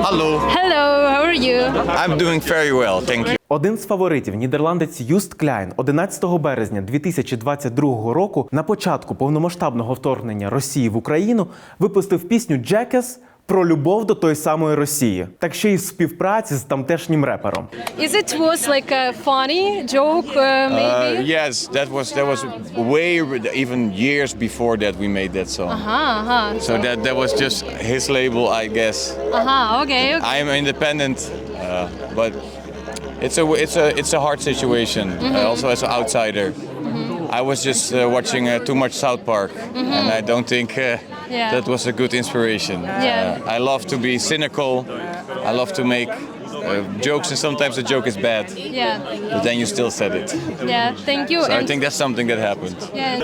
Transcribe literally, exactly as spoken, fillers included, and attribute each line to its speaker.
Speaker 1: Hello.
Speaker 2: Hello, how are you?
Speaker 1: I'm doing very well, thank you.
Speaker 3: Один з фаворитів, нідерландець Юст Кляйн, одинадцятого березня дві тисячі двадцять другого року, на початку повномасштабного вторгнення Росії в Україну, випустив пісню «Jackass» про любов до тої самої Росії, так ще й в співпраці з тамтешнім репером.
Speaker 2: Is it was like a funny joke, uh, maybe?
Speaker 1: Uh, yes, that was that was way even years before that we made that song.
Speaker 2: Aha, aha.
Speaker 1: So that that was just his label, I guess.
Speaker 2: Aha, okay, okay.
Speaker 1: I am independent, uh, but it's a it's a it's a hard situation. Uh, also as an outsider, I was just uh, watching uh, too much South Park, and I don't think uh,
Speaker 2: Yeah.
Speaker 1: that was a good inspiration.
Speaker 2: Yeah.
Speaker 1: Uh, I love to be cynical. I love to make uh, jokes, and sometimes the joke is bad,
Speaker 2: Yeah,
Speaker 1: but then you still said it.
Speaker 2: yeah, thank you.
Speaker 1: So I
Speaker 2: And
Speaker 1: think that's something that happened.
Speaker 2: yeah.